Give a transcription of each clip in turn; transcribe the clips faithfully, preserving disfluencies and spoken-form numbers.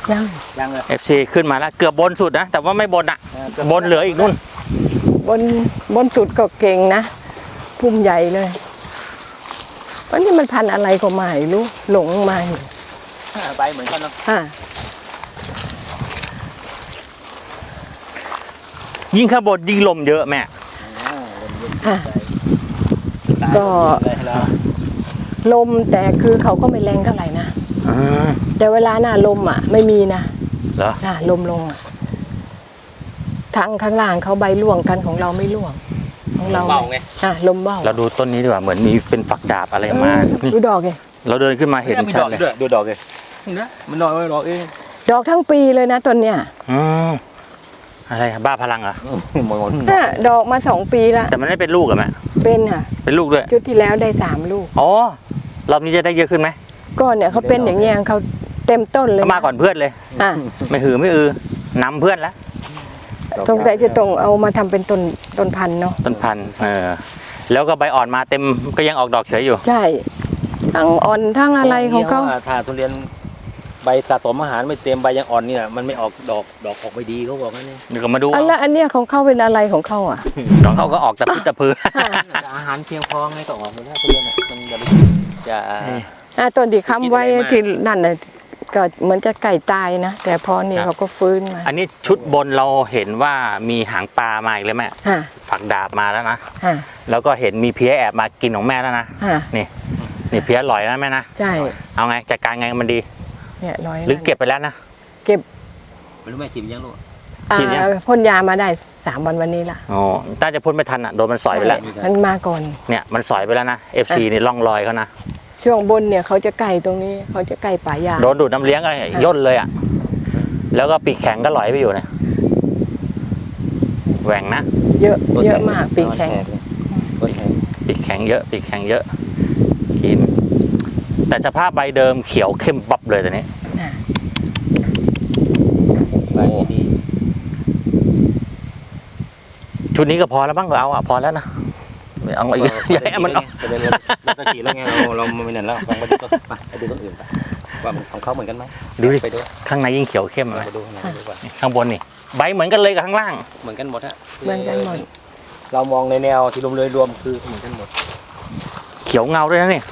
ยังยังเลยเอฟซีขึ้นมาแล้วเกือบบนสุดนะแต่ว่าไม่บนอ่ะบนเหลืออีกนู่นบนบนสุดก็เก่งนะพุ่มใหญ่เลยวันนี้มันพันอะไรก็ไม่รู้หลงมาใบเหมือนกันเนาะยิ่งข้างบนยิ่งลมเยอะแม่ก็ลมแต่คือเขาก็ไม่แรงเท่าไหร่นะแต่เวลาหน้าลมอ่ะไม่มีนะเหรอลมลงทางข้างล่างเขาใบร่วงกันของเราไม่ร่วงของเราเบาไงอ่ะลมเบาเราดูต้นนี้ดีกว่าเหมือนมีเป็นฝักดาบอะไรมาดูดอกไงเราเดินขึ้นมาเห็นชัดเลยดูดอกเลยนะมันดอกไม่ดอกเองดอกทั้งปีเลยนะต้นเนี้ยอืมอะไรบ้าพลังเหรอดอกมาสองปีแล้วแต่มันไม่เป็นลูกเหรอแม่เป็นค่ะเป็นลูกด้วยชุดที่แล้วได้สามลูกอ๋อรอบนี้จะได้เยอะขึ้นไหมก็เนี่ยเขาเป็นอย่างเงี้ยเขาเต็มต้นเลยมาก่อนเพื่อนเลยไม่หือไม่อือนำเพื่อนแล้วตรงใจจะตรงเอามาทำเป็นต้นต้นพันธุ์เนาะต้นพันธุ์เออแล้วก็ใบอ่อนมาเต็มก็ยังออกดอกเฉยอยู่ใช่ทั้งอ่อนทั้งอะไรของเขาถ้าทุเรียนใบสะสมอาหารไม่เต็มใบยังอ่อนเนี่ยมันไม่ออกดอกดอกออกไม่ดีเขาบอกนั่นเองเดี๋ยวก็มาดูอันละอันเนี้ยของเขาเป็นอะไรของเขาอ่ะของเขาก็ออกตะพื้นตะพื้นอาหารเพียงพอไงก็ออกหมดแล้วทุเรียนมันจะจะอ่าต้นที่ค้ำไว้ที่นั่นน่ะก็เหมือนจะไก่ตายนะแต่พอเนี่ยเขาก็ฟื้นมาอันนี้ชุดบนเราเห็นว่ามีหางปลามาอีกเลยแม่ฝักดาบมาแล้วนะแล้วก็เห็นมีเพี้ยแอบมากินของแม่แล้วนะนี่นี่เพี้ยลอยแล้วแม่นะใช่เอาไงจัดการไงมันดีเนี่ยลอยหรือเก็บไปแล้วนะเก็บไม่รู้แม่ฉีดยังลูกฉีดยังพ่นยามาได้สามวันวันนี้ละอ๋อถ้าจะพ่นไม่ทันอ่ะโดนมันสอยไปแล้วมันมาก่อนเนี่ยมันสอยไปแล้วนะเอฟซีนี่ร่องรอยเขานะช่วงบนเนี่ยเขาจะไก่ตรงนี้เขาจะไก่ป่ายาโดนดูดน้ำเลี้ยงก็ย่นเลยอ่ะแล้วก็ปีกแข็งก็ลอยไปอยู่เนี่ยแหว่งนะเยอะเยอะมากปีกแข็งปีกแข็งเยอะปีกแข็งเยอะกินแต่สภาพใบเดิมเขียวเข้มบับเลยตอนนี้ใบดีชุดนี้ก็พอแล้วบ้างเอาอ่ะพอแล้วนะเอาอีกอย่าให้มันเอาเราเราขี่แล้วไงเราเราไม่เห็นแล้วฟังมาดูก็ไปดูต้นอื่นไปว่าของเขาเหมือนกันไหมดูดิข้างในยิ่งเขียวเข้มเลยข้างบนนี่ใบเหมือนกันเลยกับข้างล่างเหมือนกันหมดฮะเหมือนกันหมดเรามองในแนวที่รวมเลยรวมคือเหมือนกันหมดเขียวเงาด้วยนะนี่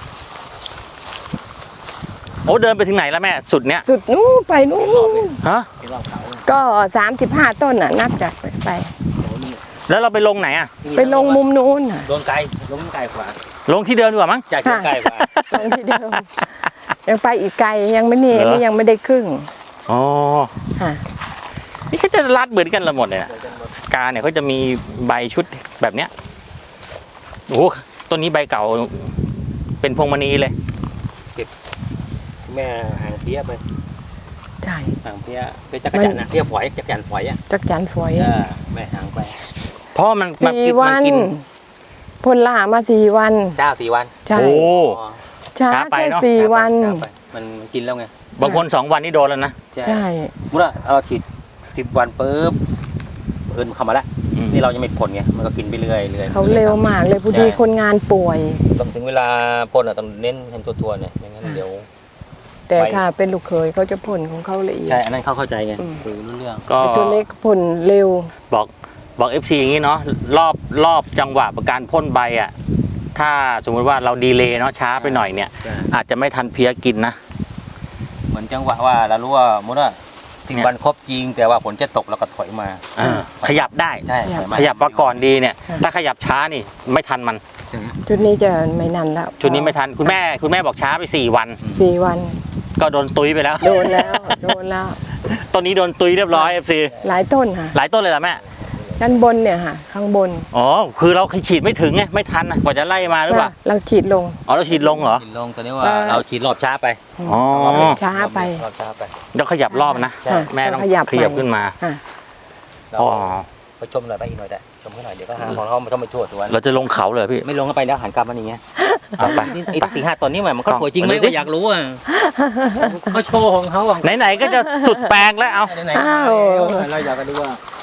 โอ้เดินไปถึงไหนแล้วแม่สุดเนี้ยสุดนู้นไปนู้นฮะก็สามสิบห้าต้นน่ะนับจากไปแล้วเราไปลงไหนอ่ะไปลงมุมนู้นน่ะลงไกลลงไกลกว่าลงที่เดิมดีกว่ามั้งจากไกลกว่าลงที่เดิมยังไปอีกไกลยังไม่เนี่ยนี่ยังไม่ได้ครึ่งอ๋อนี่เขาจะรัดเหมือนกันละหมดเลยนะกาเนี่ยเขาจะมีใบชุดแบบเนี้ยโอ้ต้นนี้ใบเก่าเป็นพวงมณีเลยเก็บแม่หางเพี้ยไปใช่หางเพี้ยเป็นจักรจันทร์นะเพี้ยฝอยจักรจันทร์ฝอยอ่ะจักรจันทร์ฝอยแม่หางไปเพราะมันสี่วันพ่นล่ามาสี่วันเจ้าสี่วันใช่โอ้ช้าแค่สี่วันมันกินแล้วไงบางคนสองวันนี่โดนแล้วนะใช่เมื่อเราฉีดสิบวันปุ๊บเอินเข้ามาแล้วนี่เรายังไม่พ่นไงมันก็กินไปเรื่อยเรื่อยเขาเร็วมากเลยพอดีคนงานป่วยต้องถึงเวลาพ่นอ่ะต้องเน้นให้ตัวๆเนี่ยไม่งั้นเดี๋ยวแต่ถ้าเป็นลูกเคยเขาจะพ่นของเขาละเอียดใช่อันนั้นเขาเข้าใจไงคือรู้เรื่องก็ตัวเล็กพ่นเร็วบอกบอกเอฟซีอย่างนี้เนาะรอบรอบจังหวะการพ่นใบอ่ะถ้าสมมติว่าเราดีเลย์เนาะช้าไปหน่อยเนี่ยอาจจะไม่ทันเพี้ยกินนะเหมือนจังหวะว่าเรารู้ว่ามุดว่าสิบวันครบจริงแต่ว่าฝนจะตกแล้วก็ถอยมาขยับได้ใช่ขยับมาก่อนดีเนี่ยถ้าขยับช้านี่ไม่ทันมันชุดนี้จะไม่นานแล้วชุดนี้ไม่ทันคุณแม่คุณแม่บอกช้าไปสี่วันสี่วันก็โดนตุยไปแล้วโดนแล้วโดนแล้วต้นนี้โดนตุยเรียบร้อยเอฟซีหลายต้นค่ะหลายต้นเลยเหรอแม่ด้านบนเนี่ยค่ะข้างบนอ๋อคือเราฉีดไม่ถึงไงไม่ทันนะกว่าจะไล่มาหรือเปล่าเราฉีดลงอ๋อเราฉีดลงเหรอฉีดลงตอนนี้ว่าเราฉีดรอบช้าไปอ๋อช้าไปรอบช้าไปแล้วขยับรอบนะแม่ต้องขยับขึ้นมาอ๋อไปชมหน่อยไปอีกหน่อยได้ชมเขาหน่อยเดี๋ยวก็หาของเขาไม่ต้องไปทั่วตัวเราจะลงเขาเลยพี่ไม่ลงก็ไปแล้วหันกลับมาอย่างเงี้ยไปไอ้ตีห้าตอนนี้มันก็สวยจริงไหมก็อยากรู้อ่ะเขาโชว์ของเขาไหนๆก็จะสุดแปลงแล้วเอาไหนๆเราอยากจะดูว่า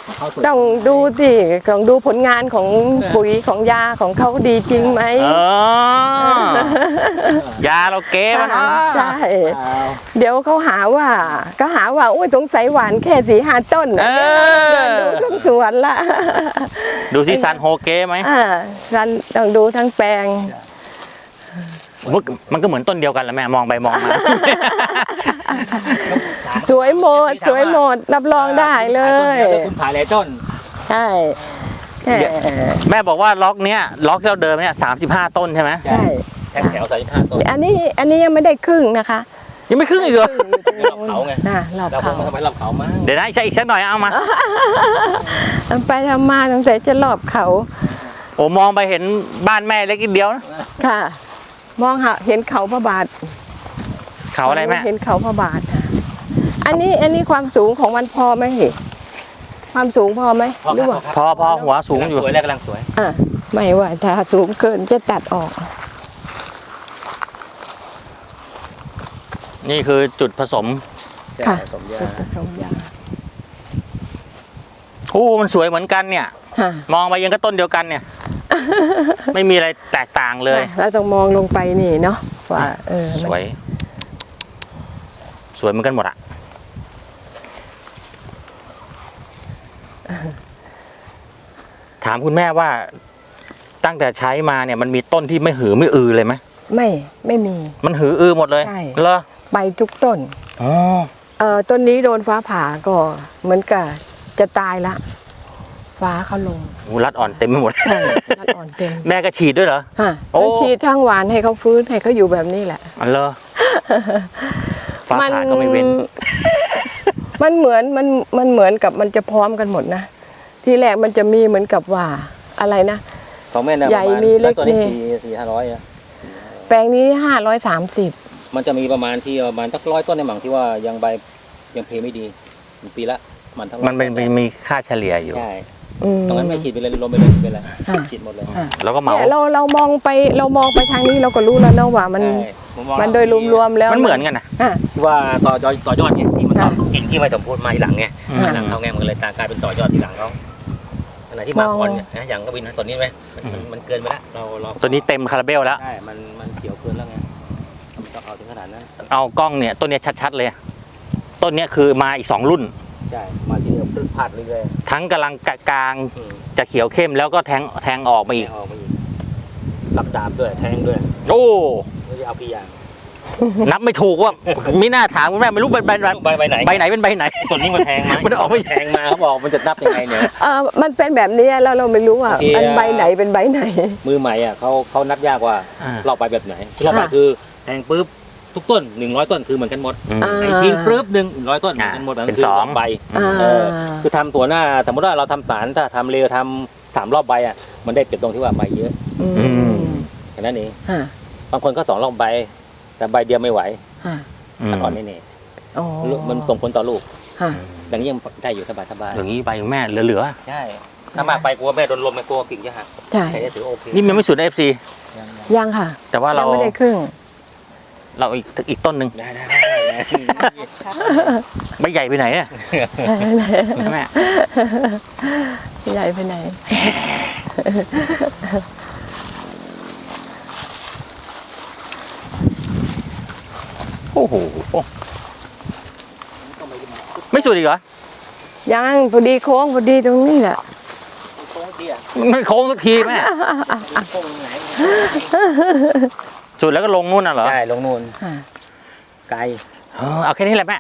เขาสวยต้องดูสิต้องดูผลงานของปุ๋ยของยาของเขาดีจริงไหมเออยาเราเก๋มันเนาะใช่อ้าวเดี๋ยวเขาหาว่าก็หาว่าอุ้ยสงสัยหวานแค่สี่ห้าต้นเอเดินอดูทั้งสวนละดูสิซันโฮเก๋ไหมอ่ารันต้องดูทั้งแปลงมันมันก็เหมือนต้นเดียวกันแหละแม่มองไปมองมาสวยหมดสวยหมดรับรองได้เลยดี๋วคุณขายหลายต้นใช่แหมแม่บอกว่าล็อกเนี้ยล็อกที่เราเดิมเนี่ยสามสิบห้าต้นใช่ไหมใช่แถวแถวสามสิบห้าต้นอันนี้อันนี้ยังไม่ได้ครึ่งนะคะยังไม่ครึ่งอีกเหรอรอบเขาไงอ่ารอบเราคเขางมาทำไมรอบเขามั้งเดี๋ยวนะใช่อีกสักหน่อยเอามาไปทำมาตั้งแต่จะรอบเขาโอ้มองไปเห็นบ้านแม่เล็กนิดเดียวนะค่ะ มองหาเห็นเขาพระบาทเขาอะไรแม่เห็นเขาพระบาทค่ะอันนี้อันนี้ความสูงของมันพอไหมเหความสูงพอไหมหรือว่าพอพอหัวสูงอยู่สวยแล้วกำลังสวยอ่ะไม่ว่าถ้าสูงเกินจะตัดออกนี่คือจุดผสมค่ะสมยาจุดผสมยาโอ้มันสวยเหมือนกันเนี่ยค่ะมองไปยังก็ต้นเดียวกันเนี่ย ไม่มีอะไรแตกต่างเลยเราต้องมองลงไปนี่เนาะว่าเออสมันวย สวยเหมือนกันหมดอะถามคุณแม่ว่าตั้งแต่ใช้มาเนี่ยมันมีต้นที่ไม่หือไม่อือเลยไหมไม่ไม่มีมันหืออือหมดเลยใช่เหรอใบทุกต้นอ๋อเออต้นนี้โดนฟ้าผ่าก็เหมือนกับจะตายละ ฟ้าเขาลงหูรัดอ่อนเต็มไปหมดใช่รัดอ่อนเต็มแม่ก็ฉีดด้วยเหรอฮะโอ้ต้องฉีดทางหวานให้เขาฟื้นให้เขาอยู่แบบนี้แหละอันเหรอฟ้าผ่าก็ไม่เว้นมันเหมือนมันมันเหมือนกับมันจะพร้อมกันหมดนะ ทีแรกมันจะมีเหมือนกับว่าอะไรนะของแม่เนี่ยใหญ่ประาณมีเล็กตัวนี้มีสี่สี่ห้าร้อยอะแปลงนี้ห้าร้อยสามสิบมันจะมีประมาณที่ประมาณสักร้อยต้นในหมั่งที่ว่ายังใบยังเพไม่ดีมันปีละมันทั้งร้อยมันเป็นต้มีค่าเฉลี่ยอยู่ใช่อืมตรงนั้นไม่ฉีดไปเลยลมไปเลยไปเลยอ่าฉีดหมดเลยอ่าแล้วก็เหมาเนี่ยเราเรามองไปเรามองไปทางนี้เราก็รู้แล้วนะว่ามันใช่ผมองมันโดยรวมๆแล้วมันเหมือนกันนะอ่ะที่ว่าต่อยอดต่อยอดไงที่มันต่ออ่ากิ่งที่ไม่สมบูรณ์มาทีหลังไงอืมมาหลังเขาไงมันก็เลยตากลายเป็นต่อยอดทีหลังเขาขณะที่มามองก่อนเนี่ยนะอย่างกวินนะตอนนี้ไหมมันมันมันเกินไปแล้วเราเราตัวนี้เต็มคาราเบลแล้วใช่มันมันเขียวเกินแล้วไงมันต้องเอาถึงขนาดนั้นเอากล้องเนี่ยต้นเนี้ยชัดๆเลย ต้นเนี้ยคือมาอีกสองรุ่นใช่มาทีเดียวพลึดพลาดเรื่อยทั้งกำลังกลางๆอืมจะเขียวเข้มแล้วก็แทงแทงออกมาอีกแทงออกมาอีกรับดาบด้วยแทงด้วยโอ้ไม่ใช่เอากี่อย่างนับไม่ถูกว่าไม่น่าถามคุณแม่ไม่รู้ใบใบใบใบใบไหนใบไหนเป็นใบไหนต้นนี้มันแทงมามันออกไม่แทงมาเขาบอกมันจะนับยังไงเนี่ยเออมันเป็นแบบนี้แล้วเราไม่รู้ว่าโอเคอันใบไหนเป็นใบไหนมือใหม่อ่ะเขาเขานับยากว่าอ่ารอบใบแบบไหนรอบใบอ่าคือแทงปุ๊บทุกต้นหนึ่งร้อยต้นคือเหมือนกันหมดอืมอ่าไอ้ทิ้งปุ๊บหนึ่งร้อยต้นเหมือนกันหมดอ่ามัเป็นคืสองใบอ่าเออคือทำตัวหน้าสมมติว่าเราทำสารถ้าทำเร็วทำสามรอบใบอ่ะมันได้เปรียบตรงที่ว่าใบเยอะอืมแค่นั้นเองฮะบางคนก็สองรอบใบ แต่ใบเดียวไม่ไหวฮะอืมอ่อนแน่อ๋อๆมันส่งผลต่อลูกฮะอย่างนี้ยังได้อยู่สบายสบายอย่างนี้ใบของแม่เหลือใช่ถ้ามากไปกลัวแม่โดนลมแม่กลัวกิ่งจะหักใช่ใครจะถือโอเคๆนี่มันไม่สุดเอฟซียังๆยังค่ะแต่ว่าเรายังไม่ได้ครึ่งเราอีกอีกต้นหนึ่งได้ได้ได้ได้ใบใหญ่ไปไหนเนี่ยแม่ใหญ่ไปไหนโอ้โหไม่สุดอีกเหรอยังพอดีโค้งพอดีตรงนี้แหละโค้งเตี้ยมันไม่โค้งสักทีแม่โค้งไหนสุดแล้วก็ลงนู่นน่ะเหรอใช่ลงนู่นฮะไกลเออเอาแค่นี้แหละแม่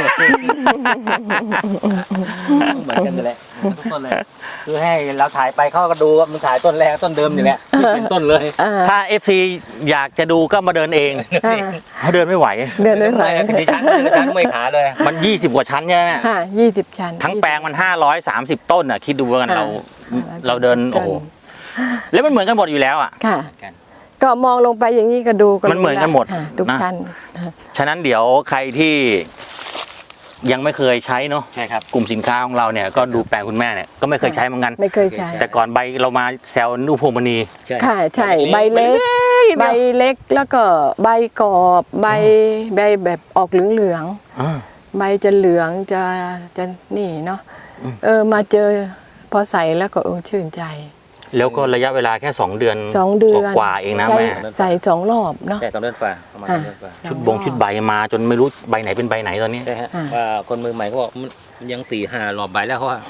เหมือนกันเลยทุกต้นเลยคือให้เราถ่ายไปเขาก็ดูว่ามันถ่ายต้นแรกต้นเดิมนี่แหละเป็นต้นเลยอ่าถ้า เอฟ ซี อยากจะดูก็มาเดินเองอ่าเขาเดินไม่ไหวเดินไม่ไหวดิฉันดิฉันไม่ขาเลยมันยี่สิบกว่าชั้นใช่ไหมฮะยี่สิบชั้นทั้งแปลงมันห้าร้อยสามสิบต้นอ่ะ คิดดูว่ากันเราอ่าเราเดิน โอ้โห แล้วมันเหมือนกันหมดอยู่แล้วอ่ะค่ะกันก็มองลงไปอย่างนี้ก็ดูก็มันเหมือนกันหมดฮะทุกนะชั้นฉะนั้นเดี๋ยวใครที่ยังไม่เคยใช้เนาะใช่ครับกลุ่มสินค้าของเราเนี่ยก็ดูแปลงคุณแม่เนี่ยก็ไม่เคยใช้เหมือนกันไม่เคยใช้แต่ก่อนใบเรามาแซวนูพวงมณีใช่ค่ะใช่ใบเล็ก ใบเล็กแล้วก็ใบกรอบใบใบแบบออกเหลืองอ่าๆใบจะเหลืองจะจะนี่เนาะเออมาเจอพอใส่แล้วก็เออชื่นใจแล้วก็ระยะเวลาแค่สองเดือนสองเดือนกว่าๆเองนะใช้แม่ใส่สองรอบเนาะใช่ต้องเลื่อนฟ้าประมาณอ่าเลื่อนฟ้าชุดบงชุดใบมาจนไม่รู้ใบไหนเป็นใบไหนตอนนี้ใช่ฮะอ่าว่าคนมือใหม่เขาบอกมันยังสี่ห้ารอบใบแล้วเขาว่า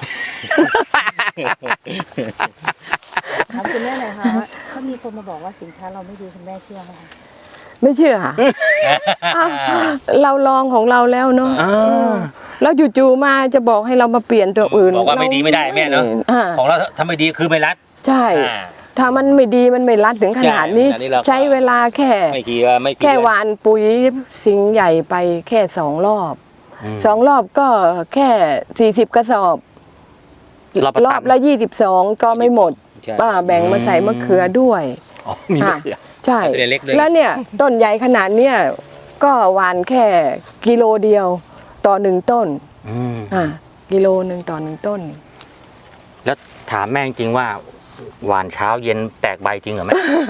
ถามคุณแม่หน่อยค่ะว่าถ้ามีคนมาบอกว่าสินค้าเราไม่ดีคุณแม่เชื่อไหมคะไม่เชื่อค่ะ อ้าวเราลองของเราแล้วเนาะอ่าเออแล้วจู่ๆมาจะบอกให้เรามาเปลี่ยนตัวอื่นบอกว่าไม่ดีไม่ได้แม่เนาะอ่าของเราถ้าไม่ดีคือไม่รัดใช่อ่าถ้ามันไม่ดีมันไม่รัดถึงขนาดนี้ใช่อันนี้เราก็ใช้เวลาแค่ไม่กี่ว่าไม่กี่แค่เดือนหวานปุ๋ยสิงห์ใหญ่ไปแค่สองรอบอืมสองรอบก็แค่สี่สิบกระสอบรอบละรอบละยี่สิบสองก็ไม่หมดใช่ป้าแบ่งมาใส่มะเขือด้วยอ๋อมีมะเขือใช่ตัวเล็กด้วยแล้วเนี่ยต้นใหญ่ขนาดเนี้ยก็หวานแค่กิโลเดียวต่อหนึ่งต้นอืมอ่ากิโลหนึ่งต่อหนึ่งต้นแล้วถามแม่จริงว่าหวานเช้าเย็นแตกใบจริงเหรอแม่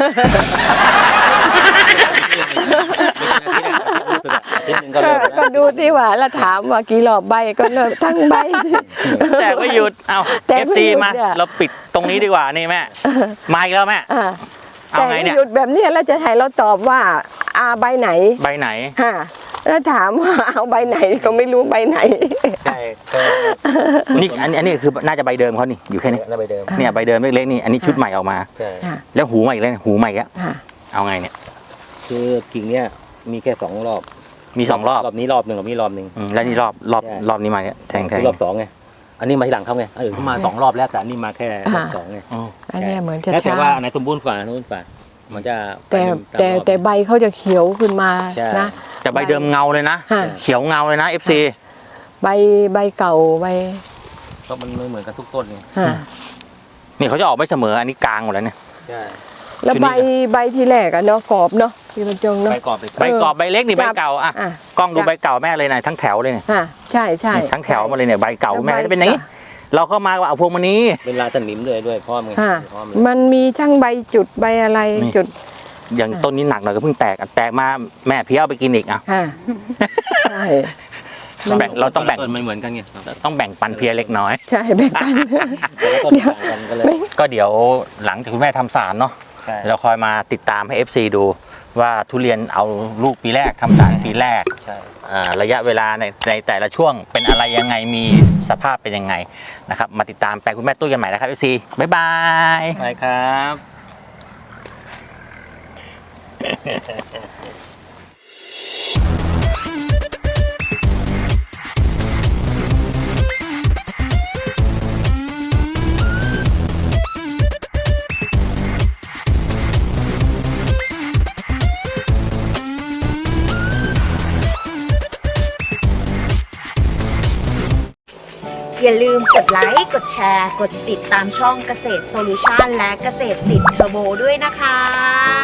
อาทิตย์หนึงก็เริ่มแล้วก็ดูที่ว่าแล้วถามว่ากี่รอบใบก็เริ่มทั้งใบแต่ไม่หยุด เอาแต่เอฟไม่ซีหยุดมาเนี่ยเราปิดตรงนี้ดีกว่านี่แม่ มาอีกแล้วแม่อ่าเอาแต่ไงไม่เนี่ยหยุดแบบเนี้ยแล้วจะให้เราตอบว่าอาใบไหนใบไหนฮะแล้วถามว่าเอาใบไหนก็ไม่รู้ใบไหนใช่ก็นี่อันอันนี้คือน่าจะใบเดิมเขานี่อยู่แค่นี้แล้วไปเดิมเนี่ยใบเดิมเล็กๆนี่ อันนี้ชุดใหม่ออกมาใช่ค่ะแล้วหูใหม่อีกแล้วหูใหม่อีกแล้วค่ะเอาไงเนี่ยคือกิ่งเนี้ยมีแค่สองรอบมีสองรอบรอบนี้รอบหนึ่งรอบนี้รอบหนึ่งอืมแล้วนี่รอบรอบใช่รอบนี้มาเนี่ยแทงแทงคือรอบสองไงอันนี้มาทีหลังเขาไงเออเขามาสองรอบแล้วแต่อันนี้มาแค่รอบสองไงอ๋ออันเนี้ยเหมือนจะแล้วแต่ช้าว่าอันไหนสมบูรณ์ฝ่าสมบูรณ์ฝ่ามันจะแต่ไปามแต่รอบแต่ใบเขาจะเขียวขึ้นมาใช่นะแต่ใบเดิมเงาเลยนะฮะเขียวเงาเลยนะ เอฟซีใบใบเก่าใบก็มันไม่เหมือนกันทุกต้นไงฮะนี่เขาจะออกไม่เสมอ อันนี้กลางหมดแล้วเนี่ยใช่แล้วชุดนี้ใบใบที่แรกอะเนาะกรอบเนาะพี่บรรจงเนาะไปกรอบไปใบกรอบใบเล็กนี่จัใบบ เก่าอ่ะอ่ะกล้องดูจับใบเก่าแม่เลยนะทั้งแถวเลยเนี่ยฮะใช่ใช่ทั้งแถวมาเลยเนี่ยใบเก่าแล้วแม่ใบจะเป็นอย่างนี้ เราเข้ามาว่าเอาพวงมานี้เป็นลายสนิมด้วยด้วยพร้อมไงฮะพร้อมเลยมันมีทั้งใบจุดใบอะไรนี่จุดอย่างต้นนี้หนักหน่อยก็เพิ่งแตกอ่ะแตกมาแม่เพี้ยเอาไปกินอีกอ่ะฮะใช่แบ่งเราต้องแบ่งต้นไม่เหมือนกันไงต้องแบ่งปันเพียเล็กน้อยใช่แบ่งกันแต่ละต้นต่างกันก็เลยก็เดี๋ยวหลังจากคุณแม่ทำสารเนาะใช่เราคอยมาติดตามให้ เอฟ ซี ดูว่าทุเรียนเอาลูกปีแรกทำสารปีแรกใช่อ่าระยะเวลาในในแต่ละช่วงเป็นอะไรยังไงมีสภาพเป็นยังไงนะครับมาติดตามแปลงคุณแม่ตุ้ยกันใหม่นะครับ เอฟ ซี บ๊ายบายไปครับอย่าลืมกดไลค์ กดแชร์ กดติดตามช่องเกษตรโซลูชันและเกษตรติดเทอร์โบด้วยนะคะ